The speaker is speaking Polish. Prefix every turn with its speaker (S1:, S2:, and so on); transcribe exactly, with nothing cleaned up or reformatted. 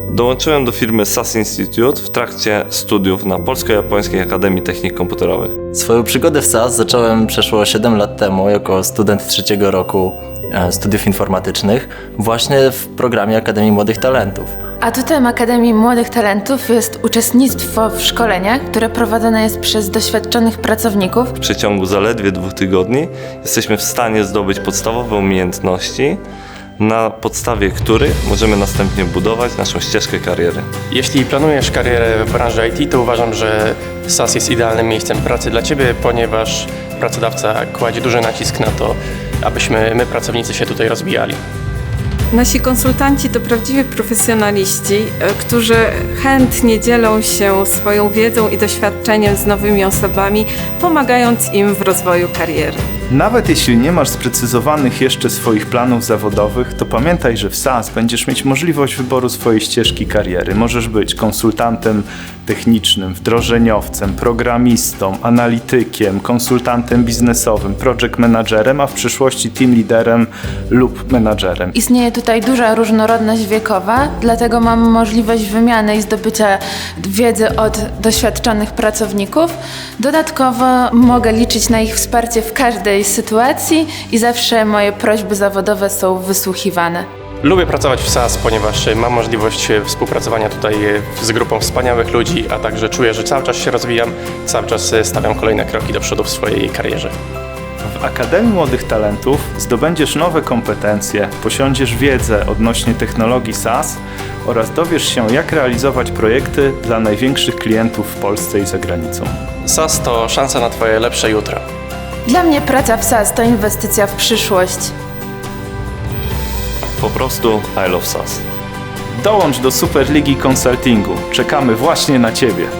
S1: Dołączyłem do firmy SAS Institute w trakcie studiów na Polsko-Japońskiej Akademii Technik Komputerowych.
S2: Swoją przygodę w SAS zacząłem przeszło siedem lat temu jako student trzeciego roku studiów informatycznych właśnie w programie Akademii Młodych Talentów.
S3: Atutem Akademii Młodych Talentów jest uczestnictwo w szkoleniach, które prowadzone jest przez doświadczonych pracowników.
S1: W przeciągu zaledwie dwóch tygodni jesteśmy w stanie zdobyć podstawowe umiejętności, na podstawie których możemy następnie budować naszą ścieżkę kariery.
S4: Jeśli planujesz karierę w branży I T, to uważam, że SAS jest idealnym miejscem pracy dla Ciebie, ponieważ pracodawca kładzie duży nacisk na to, abyśmy my, pracownicy, się tutaj rozwijali.
S5: Nasi konsultanci to prawdziwi profesjonaliści, którzy chętnie dzielą się swoją wiedzą i doświadczeniem z nowymi osobami, pomagając im w rozwoju kariery.
S6: Nawet jeśli nie masz sprecyzowanych jeszcze swoich planów zawodowych, to pamiętaj, że w SAS będziesz mieć możliwość wyboru swojej ścieżki kariery. Możesz być konsultantem technicznym, wdrożeniowcem, programistą, analitykiem, konsultantem biznesowym, project managerem, a w przyszłości team liderem lub menadżerem.
S3: Istnieje tutaj duża różnorodność wiekowa, dlatego mam możliwość wymiany i zdobycia wiedzy od doświadczonych pracowników. Dodatkowo mogę liczyć na ich wsparcie w każdej sytuacji i zawsze moje prośby zawodowe są wysłuchiwane.
S4: Lubię pracować w SAS, ponieważ mam możliwość współpracowania tutaj z grupą wspaniałych ludzi, a także czuję, że cały czas się rozwijam, cały czas stawiam kolejne kroki do przodu w swojej karierze.
S6: W Akademii Młodych Talentów zdobędziesz nowe kompetencje, posiądziesz wiedzę odnośnie technologii SAS oraz dowiesz się, jak realizować projekty dla największych klientów w Polsce i za granicą.
S4: SAS to szansa na Twoje lepsze jutro.
S3: Dla mnie praca w SAS to inwestycja w przyszłość.
S1: Po prostu I love SAS.
S6: Dołącz do Superligi Consultingu. Czekamy właśnie na Ciebie.